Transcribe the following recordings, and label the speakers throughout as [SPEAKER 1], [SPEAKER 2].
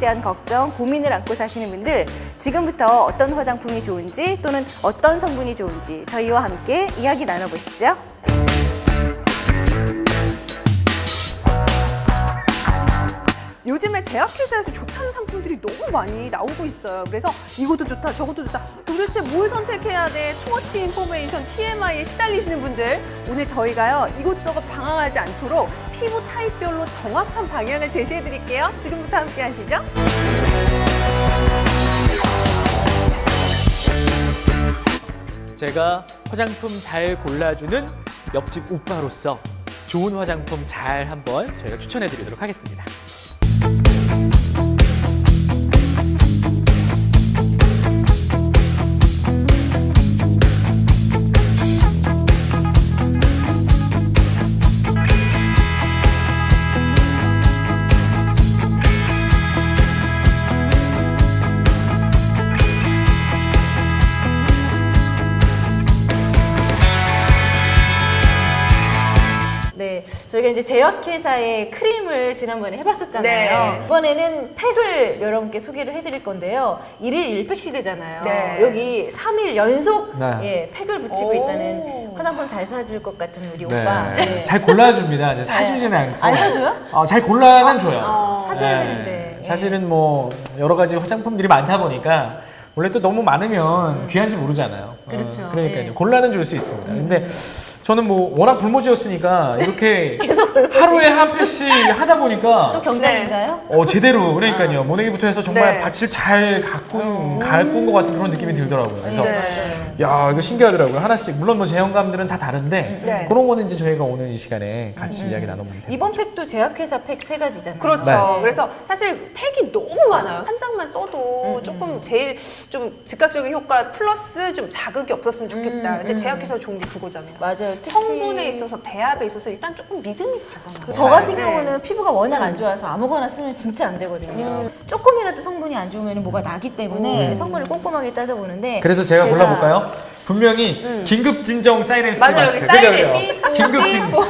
[SPEAKER 1] 대한 걱정, 고민을 안고 사시는 분들, 지금부터 어떤 화장품이 좋은지 또는 어떤 성분이 좋은지 저희와 함께 이야기 나눠보시죠.
[SPEAKER 2] 요즘에 제약회사에서 좋다는 상품들이 너무 많이 나오고 있어요. 그래서 이것도 좋다, 저것도 좋다. 도대체 뭘 선택해야 돼? 투머치 인포메이션, TMI에 시달리시는 분들. 오늘 저희가요, 이것저것 방황하지 않도록 피부 타입별로 정확한 방향을 제시해 드릴게요. 지금부터 함께 하시죠.
[SPEAKER 3] 제가 화장품 잘 골라주는 옆집 오빠로서 좋은 화장품 잘 한번 저희가 추천해 드리도록 하겠습니다.
[SPEAKER 1] 네, 저희가 이제 제약회사의 크림을 지난번에 해봤었잖아요.
[SPEAKER 2] 네.
[SPEAKER 1] 이번에는 팩을 여러분께 소개를 해드릴 건데요. 1일 1팩 시대잖아요.
[SPEAKER 2] 네.
[SPEAKER 1] 여기 3일 연속
[SPEAKER 3] 네.
[SPEAKER 1] 예, 팩을 붙이고
[SPEAKER 2] 오.
[SPEAKER 1] 있다는 화장품 잘 사줄 것 같은 우리 오빠. 네.
[SPEAKER 3] 잘 골라줍니다. 이제 사주지는 않고.
[SPEAKER 1] 안 사줘요?
[SPEAKER 3] 잘 골라는 줘요.
[SPEAKER 1] 사줘야
[SPEAKER 3] 네.
[SPEAKER 1] 되는데. 예.
[SPEAKER 3] 사실은 뭐 여러 가지 화장품들이 많다 보니까 원래 또 너무 많으면 귀한지 모르잖아요.
[SPEAKER 1] 그렇죠.
[SPEAKER 3] 그러니까요.
[SPEAKER 1] 예.
[SPEAKER 3] 골라는 줄 수 있습니다. 근데 저는 뭐 워낙 불모지였으니까 이렇게
[SPEAKER 1] 계속 불모지.
[SPEAKER 3] 하루에 한 팩씩 하다 보니까
[SPEAKER 1] 또 경장인가요?
[SPEAKER 3] 제대로 그러니까요. 모내기부터 해서 정말
[SPEAKER 2] 네.
[SPEAKER 3] 밭을 잘 가꾼 것 같은 그런 느낌이 들더라고요. 그래서
[SPEAKER 1] 네.
[SPEAKER 3] 야 이거 신기하더라고요. 하나씩 물론 뭐 제형감들은 다 다른데
[SPEAKER 2] 네.
[SPEAKER 3] 그런 거는 이제 저희가 오늘 이 시간에 같이 이야기 나눠보면 됩니다.
[SPEAKER 1] 이번 팩도 제약회사 팩 3가지잖아요.
[SPEAKER 2] 그렇죠.
[SPEAKER 3] 네.
[SPEAKER 2] 그래서 사실 팩이 너무 많아요. 한 장만 써도 조금 제일 좀 즉각적인 효과 플러스 좀 자극이 없었으면 좋겠다. 근데 제약회사 좋은 게 그거잖아요.
[SPEAKER 1] 맞아요. 특히
[SPEAKER 2] 성분에 있어서 배합에 있어서 일단 조금 믿음이 가잖아요.
[SPEAKER 1] 저 같은
[SPEAKER 2] 네.
[SPEAKER 1] 경우는 피부가 워낙 안 좋아서 아무거나 쓰면 진짜 안 되거든요. 조금이라도 성분이 안 좋으면 뭐가 나기 때문에 성분을 꼼꼼하게 따져보는데
[SPEAKER 3] 그래서 제가 골라볼까요? 분명히 긴급 진정 사이렌스
[SPEAKER 2] 맞아요.
[SPEAKER 3] 마스크.
[SPEAKER 2] 여기 사이렌
[SPEAKER 3] 그죠?
[SPEAKER 2] 삐뽀,
[SPEAKER 3] 긴급 진
[SPEAKER 2] 삐뽀.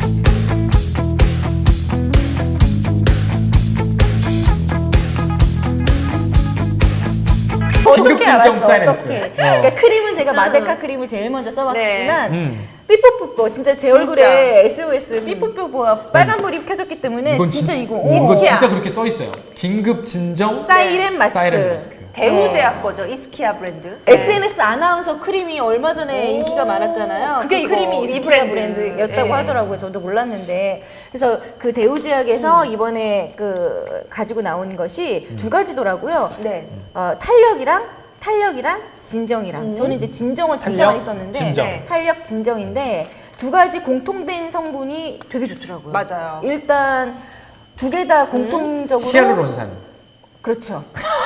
[SPEAKER 3] 긴급
[SPEAKER 1] 어떻게
[SPEAKER 3] 진정
[SPEAKER 1] 알았어?
[SPEAKER 3] 사이렌스.
[SPEAKER 1] 어떻게? 그러니까 크림은 제가 마데카 크림을 제일 먼저 써봤지만
[SPEAKER 3] 네.
[SPEAKER 1] 삐뽀뽀뽀 진짜 제 얼굴에 SOS 삐뽀뽀뽀가 빨간불이 켜졌기 때문에
[SPEAKER 3] 이건
[SPEAKER 1] 진짜
[SPEAKER 3] 진-
[SPEAKER 1] 이거
[SPEAKER 3] 이거
[SPEAKER 1] 이스키아.
[SPEAKER 3] 진짜 그렇게 써 있어요. 긴급 진정
[SPEAKER 1] 사이렌 마스크.
[SPEAKER 3] 사이렌 마스크.
[SPEAKER 2] 대우제약 거죠. 이스키아 브랜드.
[SPEAKER 1] SNS 아나운서 크림이 얼마 전에 인기가 많았잖아요.
[SPEAKER 2] 그게
[SPEAKER 1] 그 크림이
[SPEAKER 2] 이거, 이
[SPEAKER 1] 이스키아
[SPEAKER 2] 브랜드.
[SPEAKER 1] 브랜드였다고
[SPEAKER 2] 예.
[SPEAKER 1] 하더라고요. 저도 몰랐는데. 그래서 그 대우제약에서 이번에 그 가지고 나온 것이 2가지더라고요.
[SPEAKER 2] 네.
[SPEAKER 1] 탄력이랑 진정이랑. 저는 이제 진정을 진짜
[SPEAKER 3] 탄력,
[SPEAKER 1] 많이 썼는데
[SPEAKER 3] 진정.
[SPEAKER 1] 네. 탄력, 진정인데 2가지 공통된 성분이 되게 좋더라고요.
[SPEAKER 2] 맞아요.
[SPEAKER 1] 일단 2개 다 공통적으로
[SPEAKER 3] 히알루론산.
[SPEAKER 1] 그렇죠.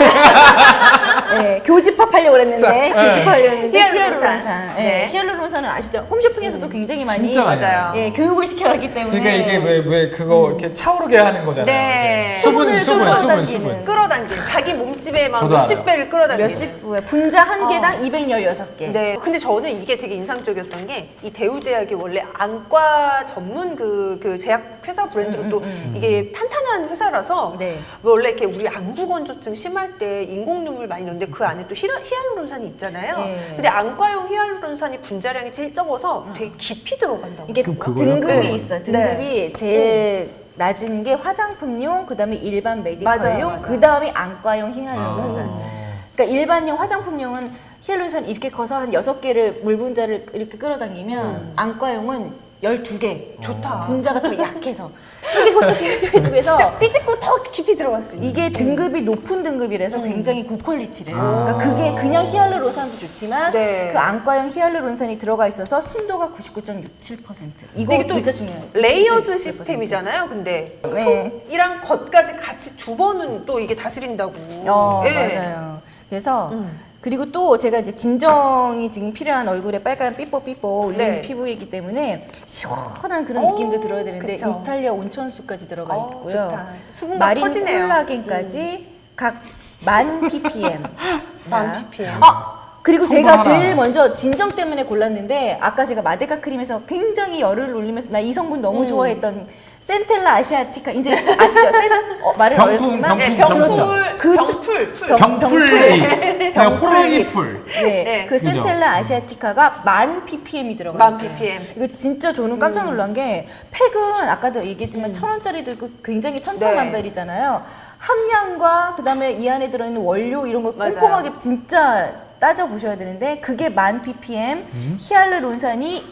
[SPEAKER 1] 네, 교집합하려고 그랬는데 교집합하려고 했는데 히알루론산. 네.
[SPEAKER 2] 네.
[SPEAKER 1] 히알루론산은 아시죠? 홈쇼핑에서도 굉장히 많이
[SPEAKER 3] 진짜 많이
[SPEAKER 2] 맞아요.
[SPEAKER 1] 예, 교육을 시켜왔기 때문에
[SPEAKER 3] 그러니까 이게 왜 그거 이렇게 차오르게 하는 거잖아요.
[SPEAKER 2] 네.
[SPEAKER 3] 이렇게.
[SPEAKER 1] 수분을 끌어당기는.
[SPEAKER 3] 수분.
[SPEAKER 2] 끌어당긴 자기 몸집에 막
[SPEAKER 3] 저도
[SPEAKER 2] 몇십
[SPEAKER 3] 알아요.
[SPEAKER 2] 배를 끌어당기는.
[SPEAKER 1] 몇십 부에 분자 한 개당 216개.
[SPEAKER 2] 네. 근데 저는 이게 되게 인상적이었던 게 이 대우제약이 원래 안과 전문 그 제약 회사 브랜드로 또 이게 탄탄한 회사라서
[SPEAKER 1] 네.
[SPEAKER 2] 원래 이렇게 우리 안구 건조증 심할 때 인공 눈물 많이 넣는데 그 안에 또 히알루론산이 있잖아요.
[SPEAKER 1] 네.
[SPEAKER 2] 근데 안과용 히알루론산이 분자량이 제일 적어서 되게 깊이 들어간다고.
[SPEAKER 1] 이게
[SPEAKER 3] 그럼 그거요?
[SPEAKER 1] 등급이
[SPEAKER 2] 네.
[SPEAKER 1] 있어요. 등급이 제일 낮은 게 화장품용, 그다음에 일반
[SPEAKER 2] 맞아요,
[SPEAKER 1] 메디컬용,
[SPEAKER 2] 맞아요.
[SPEAKER 1] 그다음에 안과용 히알루론산.
[SPEAKER 3] 아.
[SPEAKER 1] 그러니까 일반용 화장품용은 히알루론산 이렇게 커서 한 6개를 물 분자를 이렇게 끌어당기면 안과용은 12개.
[SPEAKER 2] 좋다.
[SPEAKER 1] 분자가 더 약해서 쪼개고 해서
[SPEAKER 2] 삐집고 더 깊이 들어갈 수 있는.
[SPEAKER 1] 이게 등급이 높은 등급이라서 굉장히 고퀄리티래요. 그러니까 그게 그냥 히알루론산도 좋지만
[SPEAKER 2] 네.
[SPEAKER 1] 그 안과용 히알루론산이 들어가 있어서 순도가 99.67%. 이거
[SPEAKER 2] 이게 또
[SPEAKER 1] 진짜 중요해요.
[SPEAKER 2] 레이어드
[SPEAKER 1] 99.67%.
[SPEAKER 2] 시스템이잖아요. 근데
[SPEAKER 1] 네.
[SPEAKER 2] 속이랑 겉까지 같이 2번은 또 이게 다스린다고. 예.
[SPEAKER 1] 맞아요. 그래서 그리고 또 제가 이제 진정이 지금 필요한 얼굴에 빨간 삐뽀삐뽀 올리는
[SPEAKER 2] 네.
[SPEAKER 1] 피부이기 때문에 시원한 그런 느낌도 들어야 되는데
[SPEAKER 2] 그쵸.
[SPEAKER 1] 이탈리아 온천수까지 들어가 있고요.
[SPEAKER 2] 좋다. 수분감
[SPEAKER 1] 마린
[SPEAKER 2] 터지네요.
[SPEAKER 1] 콜라겐까지 각 10,000 ppm.
[SPEAKER 2] 만 ppm.
[SPEAKER 1] 그리고
[SPEAKER 3] 성분
[SPEAKER 1] 제가
[SPEAKER 3] 하나.
[SPEAKER 1] 제일 먼저 진정 때문에 골랐는데 아까 제가 마데카 크림에서 굉장히 열을 올리면서 나 이 성분 너무 좋아했던 센텔라 아시아티카 이제 아시죠? 말을
[SPEAKER 3] 병풍,
[SPEAKER 1] 어렵지만
[SPEAKER 3] 병풍,
[SPEAKER 1] 병풍. 그
[SPEAKER 3] 병풀리, 호랑이 풀.
[SPEAKER 1] 네,
[SPEAKER 2] 네.
[SPEAKER 1] 그
[SPEAKER 3] 그죠?
[SPEAKER 1] 센텔라 아시아티카가 1000ppm이 들어가요.
[SPEAKER 2] 1000ppm.
[SPEAKER 1] 이거 진짜 저는 깜짝 놀란 게 팩은 아까도 얘기했지만 1000원짜리도 있고 굉장히 천차만별이잖아요. 함량과 그다음에 이 안에 들어있는 원료 이런 걸
[SPEAKER 2] 맞아요.
[SPEAKER 1] 꼼꼼하게 진짜 따져 보셔야 되는데 그게 1000ppm, 히알루론산이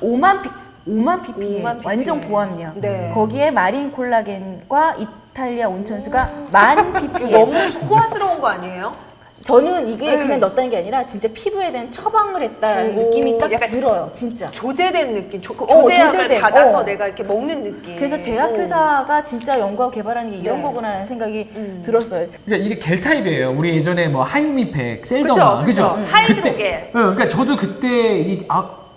[SPEAKER 1] 5만 ppm,
[SPEAKER 2] 5만
[SPEAKER 1] 완전
[SPEAKER 2] ppm.
[SPEAKER 1] 고함량.
[SPEAKER 2] 네.
[SPEAKER 1] 거기에 마린 콜라겐과 이탈리아 온천수가 10,000ppm.
[SPEAKER 2] 너무 호화스러운 거 아니에요?
[SPEAKER 1] 저는 이게 그냥 넣었다는 게 아니라 진짜 피부에 대한 처방을 했다는 느낌이 딱
[SPEAKER 2] 약간
[SPEAKER 1] 들어요, 진짜.
[SPEAKER 2] 조제된 느낌, 조제약을
[SPEAKER 1] 조제된,
[SPEAKER 2] 받아서 내가 이렇게 먹는 느낌.
[SPEAKER 1] 그래서 제약회사가 진짜 연구하고 개발하는 게 이런
[SPEAKER 2] 네.
[SPEAKER 1] 거구나라는 생각이 들었어요.
[SPEAKER 3] 그러니까 이게 겔 타입이에요. 우리 예전에 뭐 하이미팩, 셀더마,
[SPEAKER 2] 그죠?
[SPEAKER 3] 그죠?
[SPEAKER 2] 하이드로겔.
[SPEAKER 3] 그러니까 저도 그때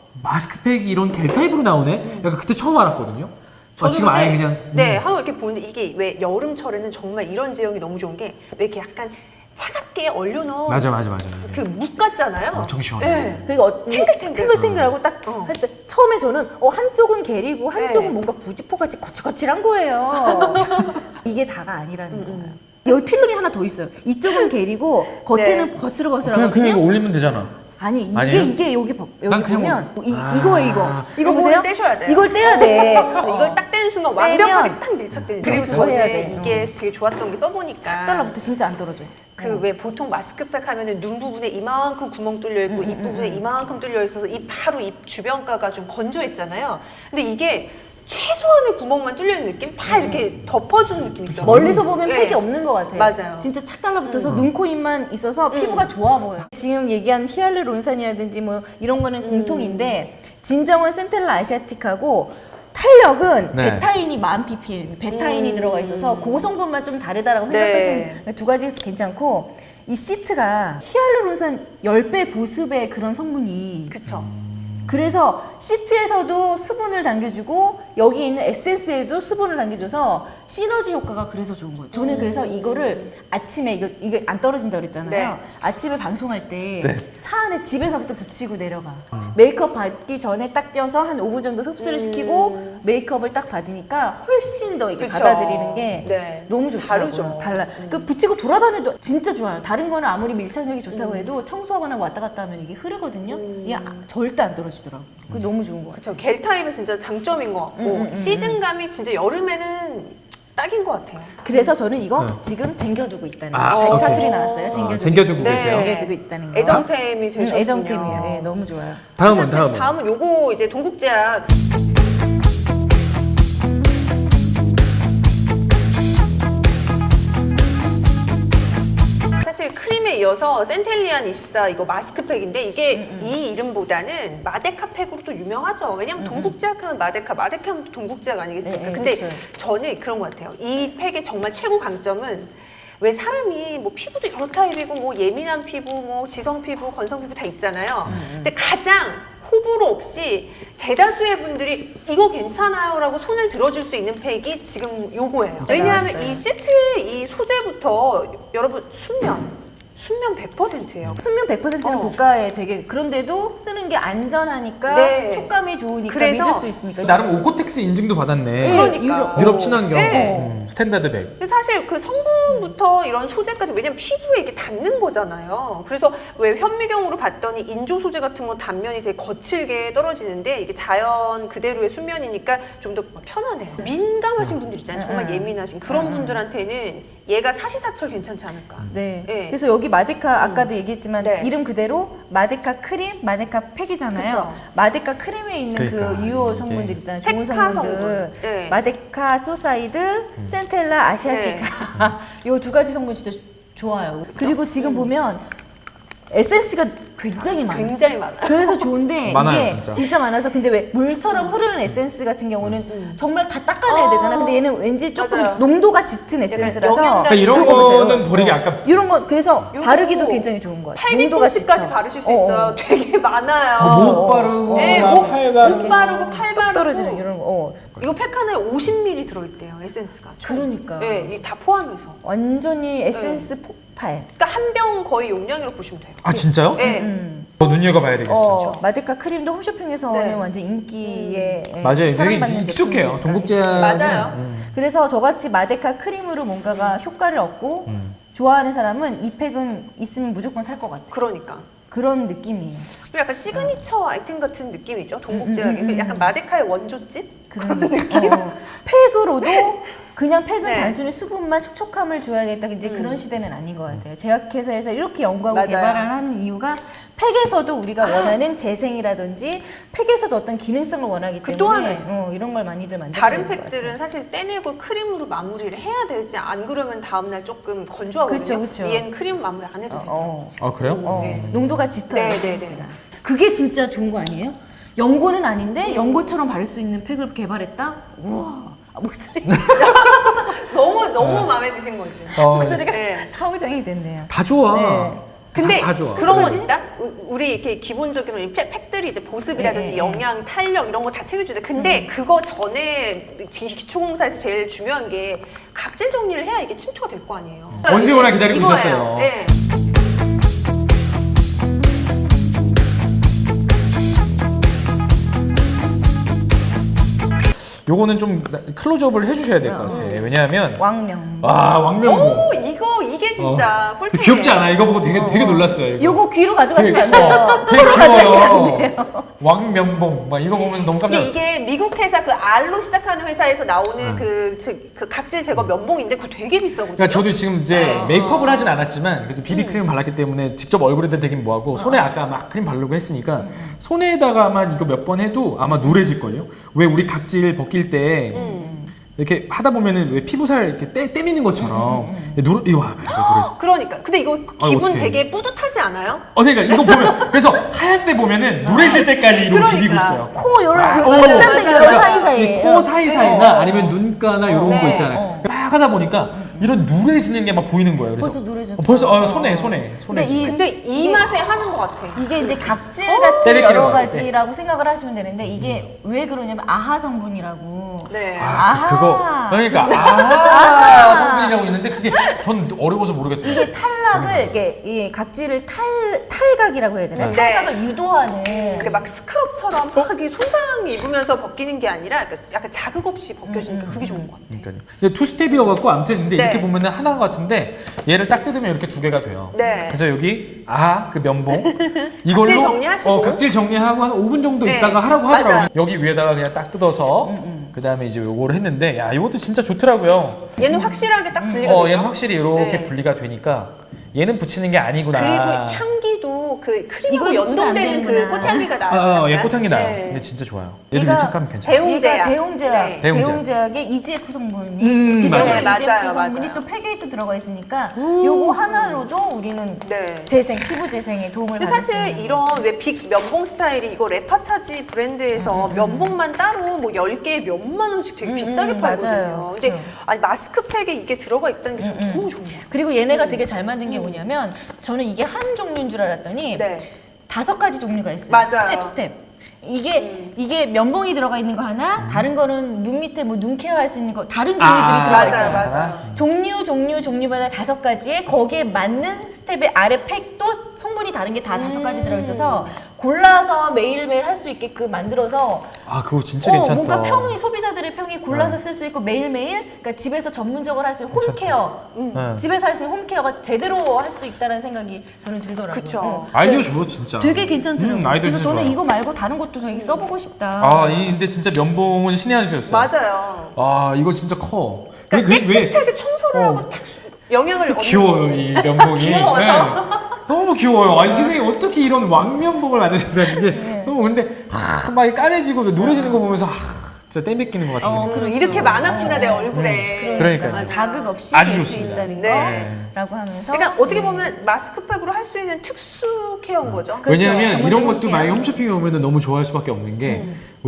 [SPEAKER 3] 마스크팩이 이런 겔 타입으로 나오네. 약간 그때 처음 알았거든요. 지금 아예
[SPEAKER 2] 근데,
[SPEAKER 3] 그냥
[SPEAKER 2] 네, 한번 이렇게 보는데 이게 왜 여름철에는 정말 이런 제형이 너무 좋은 게 왜 이렇게 약간 차갑게 얼려놓은
[SPEAKER 3] 맞아.
[SPEAKER 2] 그 묵 같잖아요.
[SPEAKER 3] 엄청 시원해.
[SPEAKER 2] 네.
[SPEAKER 1] 그리고 탱글탱글하고 딱
[SPEAKER 2] 어.
[SPEAKER 1] 했을 때 처음에 저는 한쪽은 겔이고 한쪽은
[SPEAKER 2] 네.
[SPEAKER 1] 뭔가 부지포같이 거칠거칠한 거예요. 이게 다가 아니라는 거예요. 여기 필름이 하나 더 있어요. 이쪽은 겔이고 겉에는
[SPEAKER 3] 그냥
[SPEAKER 1] 거칠거칠하거든요.
[SPEAKER 3] 이거 올리면 되잖아.
[SPEAKER 1] 아니 이게
[SPEAKER 3] 아니에요?
[SPEAKER 1] 이게 여기
[SPEAKER 3] 난 그냥
[SPEAKER 1] 보면
[SPEAKER 3] 뭐-
[SPEAKER 1] 이거예요 이거. 이거
[SPEAKER 2] 이거를
[SPEAKER 1] 보세요.
[SPEAKER 2] 떼셔야 돼요.
[SPEAKER 1] 이걸 떼야 돼.
[SPEAKER 2] 이걸 딱 떼는 순간
[SPEAKER 1] 떼면
[SPEAKER 2] 완벽하게 딱 밀착되는
[SPEAKER 1] 그리고
[SPEAKER 2] 거죠.
[SPEAKER 1] 그거 해야
[SPEAKER 2] 네,
[SPEAKER 1] 돼.
[SPEAKER 2] 이게 되게 좋았던 게 써보니까
[SPEAKER 1] 싹 달라붙어 진짜 안 떨어져요.
[SPEAKER 2] 그 왜 보통 마스크팩 하면은 눈 부분에 이만큼 구멍 뚫려 있고 입 부분에 이만큼 뚫려 있어서 입 바로 입 주변가가 좀 건조했잖아요. 근데 이게 최소한의 구멍만 뚫려 있는 느낌? 다 이렇게 덮어주는 느낌 있죠.
[SPEAKER 1] 멀리서 보면
[SPEAKER 2] 네.
[SPEAKER 1] 팩이 없는 것 같아요.
[SPEAKER 2] 맞아요.
[SPEAKER 1] 진짜 착 달라붙어서 눈, 코, 입만 있어서 피부가 좋아 보여요. 지금 얘기한 히알루론산이라든지 뭐 이런 거는 공통인데 진정한 센텔라 아시아틱하고 탄력은
[SPEAKER 3] 네.
[SPEAKER 1] 베타인이 1000ppm, 베타인이 들어가 있어서 그 성분만 좀 다르다라고
[SPEAKER 2] 네.
[SPEAKER 1] 생각하시면 두 가지 괜찮고 이 시트가 히알루론산 10배 보습의 그런 성분이
[SPEAKER 2] 그쵸.
[SPEAKER 1] 그래서 시트에서도 수분을 당겨주고 여기 있는 에센스에도 수분을 당겨줘서 시너지 효과가 그래서 좋은 거예요. 저는 그래서 이거를 아침에 이게 안 떨어진다 그랬잖아요.
[SPEAKER 2] 네.
[SPEAKER 1] 아침에 방송할 때 차
[SPEAKER 3] 네.
[SPEAKER 1] 안에 집에서부터 붙이고 내려가. 메이크업 받기 전에 딱 떼어서 한 5분 정도 흡수를 시키고 메이크업을 딱 받으니까 훨씬 더 이게
[SPEAKER 2] 그쵸.
[SPEAKER 1] 받아들이는 게
[SPEAKER 2] 네.
[SPEAKER 1] 너무 좋더라고요.
[SPEAKER 2] 다르죠.
[SPEAKER 1] 달라. 그 붙이고 돌아다녀도 진짜 좋아요. 다른 거는 아무리 밀착력이 좋다고 해도 청소하거나 왔다 갔다 하면 이게 흐르거든요. 이게 절대 안 떨어지더라고. 그게 너무 좋은 거 같아요.
[SPEAKER 2] 그쵸. 겔 타입은 진짜 장점인 것 같고 시즌감이 진짜 여름에는 딱인 것 같아요.
[SPEAKER 1] 그래서 저는 이거
[SPEAKER 3] 네.
[SPEAKER 1] 지금 쟁겨두고 있다는
[SPEAKER 3] 아,
[SPEAKER 1] 거. 다시
[SPEAKER 3] 오케이.
[SPEAKER 1] 사투리 나왔어요. 쟁겨두고.
[SPEAKER 3] 쟁겨두고
[SPEAKER 2] 네.
[SPEAKER 3] 계세요.
[SPEAKER 1] 쟁겨두고 있다는 거.
[SPEAKER 2] 애정템이 되셨군요.
[SPEAKER 1] 애정템이에요. 예, 너무 좋아요.
[SPEAKER 2] 다음은 요거 이제 동국제약. 사실 크림에 이어서 센텔리안 24 이거 마스크팩인데 이게 이 이름보다는 마데카 팩으로 또 유명하죠. 왜냐면 동국제약 하면 마데카 하면 또 동국제약 아니겠습니까?
[SPEAKER 1] 네,
[SPEAKER 2] 근데
[SPEAKER 1] 그쵸.
[SPEAKER 2] 저는 그런 것 같아요. 이 팩의 정말 최고 강점은 왜 사람이 뭐 피부도 여러 타입이고 뭐 예민한 피부, 뭐 지성 피부, 건성 피부 다 있잖아요. 근데 가장 호불호 없이 대다수의 분들이 이거 괜찮아요라고 손을 들어줄 수 있는 팩이 지금 요거예요. 왜냐하면
[SPEAKER 1] 나왔어요.
[SPEAKER 2] 이 시트의 이 소재부터 여러분 순면 100%예요.
[SPEAKER 1] 순면 100%는
[SPEAKER 2] 어.
[SPEAKER 1] 고가에 되게 그런데도 쓰는 게 안전하니까
[SPEAKER 2] 네.
[SPEAKER 1] 촉감이 좋으니까
[SPEAKER 2] 그래서
[SPEAKER 1] 믿을 수 있으니까.
[SPEAKER 3] 나름 오코텍스 인증도 받았네.
[SPEAKER 2] 그러니까.
[SPEAKER 3] 유럽 친환경
[SPEAKER 2] 네.
[SPEAKER 3] 스탠다드 백.
[SPEAKER 2] 근데 사실 그 성분부터 이런 소재까지 왜냐면 피부에 이게 닿는 거잖아요. 그래서 왜 현미경으로 봤더니 인조 소재 같은 건 단면이 되게 거칠게 떨어지는데 이게 자연 그대로의 순면이니까 좀 더 편하네요. 민감하신 분들 있잖아요. 정말 예민하신 그런 분들한테는 얘가 사시사철 괜찮지 않을까.
[SPEAKER 1] 네.
[SPEAKER 2] 네.
[SPEAKER 1] 그래서 여기 마데카 아까도 얘기했지만
[SPEAKER 2] 네.
[SPEAKER 1] 이름 그대로 마데카 크림, 마데카 팩이잖아요.
[SPEAKER 2] 그쵸.
[SPEAKER 1] 마데카 크림에 있는
[SPEAKER 3] 그러니까,
[SPEAKER 1] 그 유효
[SPEAKER 3] 이게.
[SPEAKER 1] 성분들 있잖아요. 좋은
[SPEAKER 2] 페카
[SPEAKER 1] 성분들.
[SPEAKER 2] 성분. 네.
[SPEAKER 1] 마데카 소사이드, 센텔라 아시아티카. 요 두 가지 성분 진짜 좋아요. 그리고 지금 보면 에센스가 굉장히 많아요.
[SPEAKER 2] 굉장히 많아요.
[SPEAKER 1] 그래서 좋은데
[SPEAKER 3] 많아요,
[SPEAKER 1] 이게
[SPEAKER 3] 진짜.
[SPEAKER 1] 진짜 많아서 근데 왜 물처럼 흐르는 에센스 같은 경우는 정말 다 닦아내야 되잖아요. 근데 얘는 왠지 조금
[SPEAKER 2] 맞아요.
[SPEAKER 1] 농도가 짙은 에센스라서
[SPEAKER 2] 영양가
[SPEAKER 3] 그러니까 이런
[SPEAKER 1] 요거 보세요.
[SPEAKER 3] 거는 버리기 아깝지.
[SPEAKER 1] 이런 거 그래서
[SPEAKER 2] 요거
[SPEAKER 1] 바르기도 굉장히 좋은 거예요. 농도가
[SPEAKER 2] 팔뒤꿈치까지
[SPEAKER 1] 짙어.
[SPEAKER 2] 바르실 수 있어요. 되게 많아요.
[SPEAKER 3] 못 바르고
[SPEAKER 2] 네,
[SPEAKER 3] 막 팔 바르고.
[SPEAKER 2] 못 바르고 팔 바르고
[SPEAKER 1] 떨어지는 이런 거.
[SPEAKER 2] 이거 팩 하나에 50ml 들어있대요, 에센스가.
[SPEAKER 1] 그러니까.
[SPEAKER 2] 네, 이다 포함해서.
[SPEAKER 1] 완전히 에센스 폭발.
[SPEAKER 2] 그러니까 한 병 거의 용량으로 보시면 돼요.
[SPEAKER 3] 아 진짜요?
[SPEAKER 2] 네.
[SPEAKER 3] 더 눈여겨봐야 되겠어.
[SPEAKER 1] 마데카 크림도 홈쇼핑에서는
[SPEAKER 2] 네.
[SPEAKER 1] 완전 인기에
[SPEAKER 3] 맞아요. 되게
[SPEAKER 1] 사랑받는
[SPEAKER 3] 익숙해요.
[SPEAKER 1] 제품이니까.
[SPEAKER 3] 동국제약.
[SPEAKER 2] 맞아요.
[SPEAKER 1] 그래서 저같이 마데카 크림으로 뭔가가 효과를 얻고 좋아하는 사람은 이 팩은 있으면 무조건 살 것 같아요.
[SPEAKER 2] 그러니까.
[SPEAKER 1] 그런 느낌이에요.
[SPEAKER 2] 그리고 약간 시그니처 아이템 같은 느낌이죠, 동국제약의. 약간 마데카의 원조집?
[SPEAKER 1] 그런 느낌. 팩으로도 그냥 팩은
[SPEAKER 2] 네.
[SPEAKER 1] 단순히 수분만 촉촉함을 줘야겠다. 이제 그런 시대는 아닌 것 같아요. 제약회사에서 이렇게 연구하고
[SPEAKER 2] 맞아요.
[SPEAKER 1] 개발을 하는 이유가 팩에서도 우리가 원하는 재생이라든지 팩에서도 어떤 기능성을 원하기
[SPEAKER 2] 그 또 하나
[SPEAKER 1] 때문에
[SPEAKER 2] 있어.
[SPEAKER 1] 이런 걸 많이들 만들고
[SPEAKER 2] 다른
[SPEAKER 1] 있는 것
[SPEAKER 2] 팩들은
[SPEAKER 1] 같아요.
[SPEAKER 2] 사실 떼내고 크림으로 마무리를 해야 되지, 안 그러면 다음날 조금 건조하거든요.
[SPEAKER 1] 그쵸.
[SPEAKER 2] 얘는 크림 마무리 안 해도 돼요.
[SPEAKER 3] 아 그래요?
[SPEAKER 2] 네.
[SPEAKER 1] 농도가 짙어요.
[SPEAKER 2] 네,
[SPEAKER 1] 에센스가.
[SPEAKER 2] 네, 네.
[SPEAKER 1] 그게 진짜 좋은 거 아니에요? 연고는 아닌데 연고처럼 바를 수 있는 팩을 개발했다? 우와. 목소리
[SPEAKER 2] 너무 마음에 드신 거지.
[SPEAKER 1] 목소리가
[SPEAKER 2] 네.
[SPEAKER 1] 사후정이 됐네요.
[SPEAKER 3] 다 좋아.
[SPEAKER 1] 네.
[SPEAKER 2] 근데
[SPEAKER 3] 다 좋아.
[SPEAKER 2] 그런 건 있다? 우리 이렇게 기본적으로 이 팩들이 이제 보습이라든지
[SPEAKER 1] 네.
[SPEAKER 2] 영양, 탄력 이런 거 다 챙겨주는데 근데 그거 전에 기초공사에서 제일 중요한 게 각질 정리를 해야 이게 침투가 될 거 아니에요.
[SPEAKER 3] 언제 오나 기다리고
[SPEAKER 2] 이거예요.
[SPEAKER 3] 있었어요.
[SPEAKER 2] 네.
[SPEAKER 3] 요거는 좀 클로즈업을 해주셔야 될 것 같아. 왜냐하면
[SPEAKER 1] 왕명.
[SPEAKER 3] 왕명고.
[SPEAKER 2] 오, 이게 진짜 꿀템이에요.
[SPEAKER 3] 귀엽지 않아? 이거 보고 되게 놀랐어요. 이거.
[SPEAKER 1] 요거 귀로 가져가시면 안 돼요.
[SPEAKER 3] 되게
[SPEAKER 1] 코로 가져가시면 안
[SPEAKER 3] 귀여워요.
[SPEAKER 1] 돼요.
[SPEAKER 3] 왕면봉 막 이거 보면서 너무 깜짝.
[SPEAKER 2] 근데 이게 미국 회사 그 R로 시작하는 회사에서 나오는 그 각질 제거 면봉인데 그거 되게 비싸거든요.
[SPEAKER 3] 그러니까 저도 지금 이제 메이크업을 하진 않았지만 그래도 비비크림 발랐기 때문에 직접 얼굴에다 되긴 뭐하고 손에 아까 막 크림 바르고 했으니까 손에다가만 이거 몇 번 해도 아마 누래질걸요? 왜 우리 각질 벗길 때 이렇게 하다 보면은 왜 피부살 이렇게 떼미는 것처럼 이거 봐봐 이거 누래져.
[SPEAKER 2] 그러니까 근데 이거 기분
[SPEAKER 3] 어떡해.
[SPEAKER 2] 되게 뿌듯하지 않아요?
[SPEAKER 3] 그러니까 이거 보면 그래서 하얀 데 보면은 누래질 때까지 이러고
[SPEAKER 2] 그러니까.
[SPEAKER 3] 비비고 있어요.
[SPEAKER 1] 코 요런
[SPEAKER 2] 맞아요.
[SPEAKER 1] 짠데
[SPEAKER 2] 맞아요.
[SPEAKER 1] 요런 사이사이.
[SPEAKER 3] 코 사이사이나 아니면 눈가나 이런
[SPEAKER 2] 네.
[SPEAKER 3] 거 있잖아요. 막 하다 보니까 이런 누래지는 게 막 보이는 거예요. 그래서
[SPEAKER 1] 벌써 누래졌다.
[SPEAKER 3] 벌써 손에.
[SPEAKER 1] 근데
[SPEAKER 2] 근데 이 맛에 하는 것 같아.
[SPEAKER 1] 이게 이제 각질 같은
[SPEAKER 3] 때리기로
[SPEAKER 1] 여러
[SPEAKER 3] 하고,
[SPEAKER 1] 가지라고 생각을 하시면 되는데 이게 왜 그러냐면 아하 성분이라고.
[SPEAKER 2] 네.
[SPEAKER 3] 그거 그러니까 성분이라고 있는데 그게 전 어려워서 모르겠더라고요.
[SPEAKER 1] 이게 탈락을 이게 이 각질을 탈각이라고 해야 되나?
[SPEAKER 2] 네.
[SPEAKER 1] 탈각을 유도하는.
[SPEAKER 2] 그게 막 스크럽처럼 막 이렇게 손상 입으면서 벗기는 게 아니라 약간 자극 없이 벗겨지니까 그게 좋은 것 같아.
[SPEAKER 3] 그러니까요. 이게 투 스텝이어갖고 아무튼 근데
[SPEAKER 2] 네.
[SPEAKER 3] 이렇게 보면은 하나 같은데 얘를 딱 뜯으면 이렇게 두 개가 돼요.
[SPEAKER 2] 네.
[SPEAKER 3] 그래서 여기 그 면봉 이걸로
[SPEAKER 2] 각질 정리하시고.
[SPEAKER 3] 각질 정리하고 한 5분 정도
[SPEAKER 2] 네.
[SPEAKER 3] 있다가 하라고 하더라고요.
[SPEAKER 2] 맞아요.
[SPEAKER 3] 여기 위에다가 그냥 딱 뜯어서 그 다음에 이제 요거를 했는데 야 이것도 진짜 좋더라고요.
[SPEAKER 2] 얘는 확실하게 딱 분리가 되죠.
[SPEAKER 3] 얘는 확실히 이렇게
[SPEAKER 2] 네.
[SPEAKER 3] 분리가 되니까 얘는 붙이는 게 아니구나.
[SPEAKER 2] 그리고 향기도 그 크림하고
[SPEAKER 1] 이걸 붙이면 안
[SPEAKER 2] 연동되는 그
[SPEAKER 1] 되는구나.
[SPEAKER 2] 꽃향기가 나요.
[SPEAKER 3] 얘
[SPEAKER 2] 약간.
[SPEAKER 3] 꽃향기 나요.
[SPEAKER 2] 네.
[SPEAKER 3] 얘 진짜 좋아요. 얘도
[SPEAKER 1] 얘가
[SPEAKER 3] 밀착감 괜찮아요.
[SPEAKER 2] 대웅제약.
[SPEAKER 1] 얘가 대웅제약,
[SPEAKER 2] 네.
[SPEAKER 1] 대웅제약의 EGF 성분이
[SPEAKER 3] 맞아요.
[SPEAKER 1] EGF
[SPEAKER 2] 맞아요,
[SPEAKER 1] 성분이
[SPEAKER 2] 맞아요.
[SPEAKER 1] 또 팩에 또 들어가 있으니까 요거 하나로도 우리는
[SPEAKER 2] 네.
[SPEAKER 1] 재생, 피부 재생에 도움을
[SPEAKER 2] 근데
[SPEAKER 1] 받을 수
[SPEAKER 2] 사실
[SPEAKER 1] 있는
[SPEAKER 2] 이런 왜 빅 면봉 스타일이 이거 레파차지 브랜드에서 면봉만 따로 뭐 10개에 몇만 원씩 되게 비싸게 팔거든요.
[SPEAKER 1] 맞아요.
[SPEAKER 2] 근데
[SPEAKER 1] 그쵸.
[SPEAKER 2] 아니 마스크팩에 이게 들어가 있다는 게 저는 너무 좋은 것 같아요.
[SPEAKER 1] 그리고 얘네가 되게 잘 만든 게 뭐냐면 저는 이게 한 종류인 줄 알았더니
[SPEAKER 2] 네.
[SPEAKER 1] 5가지 종류가 있어요.
[SPEAKER 2] 맞아요.
[SPEAKER 1] 스텝. 이게 면봉이 들어가 있는 거 하나, 다른 거는 눈 밑에 뭐 눈 케어할 수 있는 거 다른 종류들이 들어가
[SPEAKER 2] 맞아요,
[SPEAKER 1] 있어요.
[SPEAKER 2] 맞아요.
[SPEAKER 1] 종류마다 5가지에 거기에 맞는 스텝의 아래 팩도 성분이 다른 게 다 5가지 들어 있어서 골라서 매일매일 할 수 있게끔 만들어서
[SPEAKER 3] 그거 진짜 괜찮다.
[SPEAKER 1] 뭔가 소비자들의 평이 골라서 쓸 수 있고 매일매일 그러니까 집에서 전문적으로 할 수 있는 홈케어 집에서 할 수 있는 홈케어가 제대로 할 수 있다는 생각이 저는 들더라고요.
[SPEAKER 2] 그쵸.
[SPEAKER 3] 아이디어 좋아 진짜.
[SPEAKER 1] 되게 괜찮더라고요.
[SPEAKER 3] 아이디어
[SPEAKER 1] 그래서
[SPEAKER 3] 진짜
[SPEAKER 1] 저는
[SPEAKER 3] 좋아요.
[SPEAKER 1] 이거 말고 다른 것도 저기 써보고 싶다.
[SPEAKER 3] 근데 진짜 면봉은 신의 한 수였어요.
[SPEAKER 2] 맞아요.
[SPEAKER 3] 이거 진짜 커.
[SPEAKER 2] 그러니까 깨끗하게 청소를 하고 탁 영향을 얻는
[SPEAKER 3] 귀여워요 이 면봉이.
[SPEAKER 2] 귀여워서?
[SPEAKER 3] 네. 너무 귀여워요. 아니 세상에 어떻게 이런 왕면봉을 만드셨다는 게 너무 근데 막 까매지고 누래지는 거 보면서 진짜 땜뱉기는 것 같은 게.
[SPEAKER 2] 이렇게 많았구나 내 얼굴에.
[SPEAKER 3] 그러니까요.
[SPEAKER 1] 자극 없이
[SPEAKER 3] 아주
[SPEAKER 1] 될 수
[SPEAKER 3] 좋습니다.
[SPEAKER 1] 있다는
[SPEAKER 2] 네.
[SPEAKER 1] 거라고 하면서
[SPEAKER 2] 그러니까 어떻게 보면 마스크팩으로 할 수 있는 특수 케어인 거죠.
[SPEAKER 3] 왜냐하면
[SPEAKER 1] 정말
[SPEAKER 3] 이런
[SPEAKER 1] 좋은
[SPEAKER 3] 것도
[SPEAKER 1] 게요.
[SPEAKER 3] 만약에 홈쇼핑에 오면 너무 좋아할 수밖에 없는 게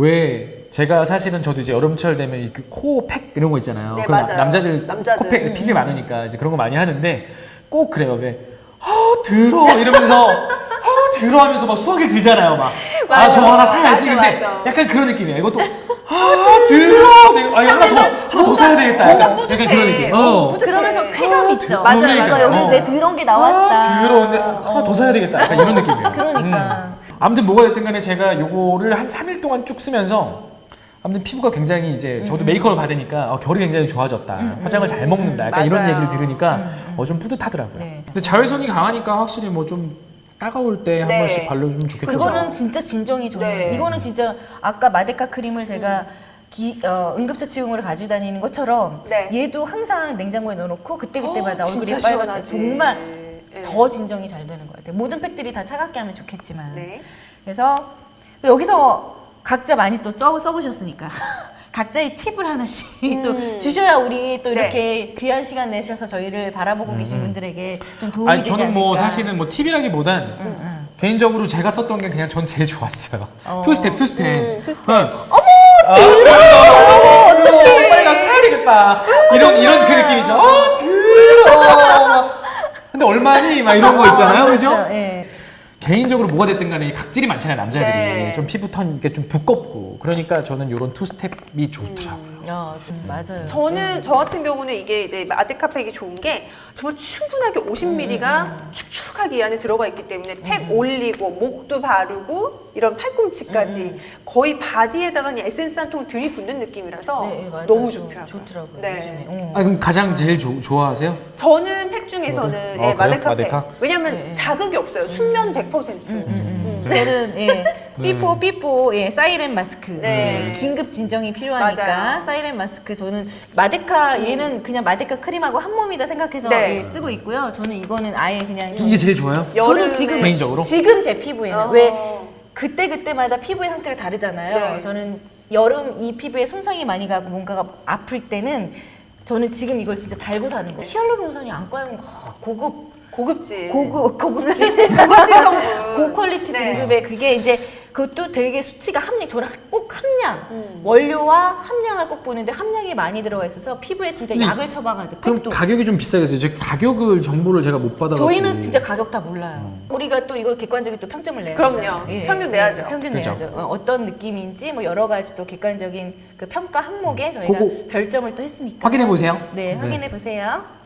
[SPEAKER 3] 왜 제가 사실은 저도 이제 여름철 되면 코팩 이런 거 있잖아요.
[SPEAKER 2] 네,
[SPEAKER 3] 그럼
[SPEAKER 2] 맞아요.
[SPEAKER 3] 남자들
[SPEAKER 2] 남자들.
[SPEAKER 3] 코팩 피지 많으니까 이제 그런 거 많이 하는데 꼭 그래요. 왜 들어 이러면서 들어 하면서 막 수화기를 들잖아요. 막 아 저거 하나 사야지.
[SPEAKER 2] 맞아,
[SPEAKER 3] 근데
[SPEAKER 2] 맞아.
[SPEAKER 3] 약간 그런 느낌이야. 이것도 들어. 아 하나 더 사야 되겠다.
[SPEAKER 2] 뭔가
[SPEAKER 3] 약간
[SPEAKER 2] 뿌듯해.
[SPEAKER 3] 그런 느낌.
[SPEAKER 1] 그러면서 쾌감 있죠.
[SPEAKER 2] 맞아요,
[SPEAKER 3] 그러니까.
[SPEAKER 2] 맞아요.
[SPEAKER 1] 여기 내 들어온 게 나왔다.
[SPEAKER 3] 아 들어온데 하나 더 사야 되겠다. 약간 이런 느낌이에요.
[SPEAKER 1] 그러니까.
[SPEAKER 3] 아무튼 뭐가 됐든 간에 제가 요거를 한 3일 동안 쭉 쓰면서 아무튼 피부가 굉장히 이제 저도 메이크업을 받으니까 결이 굉장히 좋아졌다. 화장을 잘 먹는다. 약간 이런
[SPEAKER 2] 맞아요.
[SPEAKER 3] 얘기를 들으니까 좀 뿌듯하더라고요.
[SPEAKER 1] 네.
[SPEAKER 3] 근데 자외선이 강하니까 확실히 뭐 좀 따가울 때 한
[SPEAKER 2] 네.
[SPEAKER 3] 번씩 발라주면 좋겠죠.
[SPEAKER 1] 그거는 진짜 진정이 좋은
[SPEAKER 2] 네.
[SPEAKER 1] 거예요. 이거는 진짜 아까 마데카 크림을 제가 응급처치용으로 가지고 다니는 것처럼
[SPEAKER 2] 네.
[SPEAKER 1] 얘도 항상 냉장고에 넣어놓고 그때그때마다 얼굴이
[SPEAKER 2] 진짜
[SPEAKER 1] 빨갛게
[SPEAKER 2] 시원하지.
[SPEAKER 1] 정말
[SPEAKER 2] 네.
[SPEAKER 1] 더 진정이 잘 되는 것 같아요. 모든 팩들이 다 차갑게 하면 좋겠지만
[SPEAKER 2] 네.
[SPEAKER 1] 그래서 여기서 각자 많이 또 써보셨으니까 각자의 팁을 하나씩 또 주셔야 우리 또
[SPEAKER 2] 네.
[SPEAKER 1] 이렇게 귀한 시간 내셔서 저희를 바라보고 계신 분들에게 좀 도움이
[SPEAKER 3] 아니
[SPEAKER 1] 되지
[SPEAKER 3] 저는 뭐
[SPEAKER 1] 않을까.
[SPEAKER 3] 사실은 뭐 팁이라기보단 개인적으로 제가 썼던 게 그냥 전 제일 좋았어요. 투스텝.
[SPEAKER 2] 투스텝.
[SPEAKER 3] 어머 들어. 빨리 가서 사야 되겠다. 이런 그 느낌이죠. 들어. 근데 얼마니 막 이런 거 있잖아요, 그죠?
[SPEAKER 1] 그렇죠. 예.
[SPEAKER 3] 개인적으로 뭐가 됐든 간에 이 각질이 많잖아요, 남자들이.
[SPEAKER 2] 네.
[SPEAKER 3] 좀 피부톤 이게 좀 두껍고. 그러니까 저는 이런 투스텝이 좋더라고요.
[SPEAKER 1] 좀 맞아요.
[SPEAKER 2] 저는 저 같은 경우는 이게 이제 마데카팩이 좋은 게 정말 충분하게 50ml가 축축하게 이 안에 들어가 있기 때문에 팩 올리고 목도 바르고 이런 팔꿈치까지 거의 바디에다가 그냥 에센스 한 통을 들이붓는 느낌이라서
[SPEAKER 1] 네, 맞아요.
[SPEAKER 2] 너무
[SPEAKER 1] 좀
[SPEAKER 2] 좋더라고요.
[SPEAKER 1] 좋더라고요.
[SPEAKER 2] 네.
[SPEAKER 1] 요즘에.
[SPEAKER 3] 아, 그럼 가장 제일 좋아하세요?
[SPEAKER 2] 저는 팩 중에서는
[SPEAKER 3] 그래요?
[SPEAKER 2] 예,
[SPEAKER 3] 그래요?
[SPEAKER 2] 마데카팩.
[SPEAKER 3] 마데카?
[SPEAKER 2] 왜냐면
[SPEAKER 1] 네.
[SPEAKER 2] 자극이 없어요. 순면 100%.
[SPEAKER 1] 저는 삐뽀 사이렌 마스크
[SPEAKER 2] 네.
[SPEAKER 1] 긴급 진정이 필요하니까
[SPEAKER 2] 맞아요.
[SPEAKER 1] 사이렌 마스크 저는 마데카 얘는 그냥 마데카 크림하고 한 몸이다 생각해서
[SPEAKER 2] 네.
[SPEAKER 1] 예, 쓰고 있고요. 저는 이거는 아예 그냥
[SPEAKER 3] 이게 제일 좋아요?
[SPEAKER 1] 저는 지금
[SPEAKER 3] 개인적으로?
[SPEAKER 1] 지금 제 피부에는
[SPEAKER 2] 어.
[SPEAKER 1] 왜 그때 그때마다 피부의 상태가 다르잖아요.
[SPEAKER 2] 네.
[SPEAKER 1] 저는 여름 이 피부에 손상이 많이 가고 뭔가가 아플 때는 저는 지금 이걸 진짜 달고 사는 거예요. 히알루론산이 안과용
[SPEAKER 2] 고급지.
[SPEAKER 1] 고급진
[SPEAKER 2] 고급지 성분.
[SPEAKER 1] 고퀄리티
[SPEAKER 2] 네.
[SPEAKER 1] 등급의 그게 이제 그것도 되게 수치가 저는 꼭 함량 원료와 함량을 꼭 보는데 함량이 많이 들어가 있어서 피부에 진짜
[SPEAKER 3] 근데
[SPEAKER 1] 약을 처방하듯
[SPEAKER 3] 그럼
[SPEAKER 1] 팩도.
[SPEAKER 3] 가격이 좀 비싸겠어요. 제 가격을 정보를 제가 못 받아가지고.
[SPEAKER 1] 저희는 진짜 가격 다 몰라요. 우리가 또 이거 객관적인 또 평점을 내야
[SPEAKER 2] 그럼요.
[SPEAKER 1] 되잖아요.
[SPEAKER 2] 평균 내야죠.
[SPEAKER 1] 평균
[SPEAKER 3] 그죠.
[SPEAKER 1] 내야죠. 어떤 느낌인지 뭐 여러 가지 또 객관적인 그 평가 항목에 저희가
[SPEAKER 3] 그거
[SPEAKER 1] 별점을 또 했으니까.
[SPEAKER 3] 확인해 보세요.
[SPEAKER 1] 네, 확인해 보세요.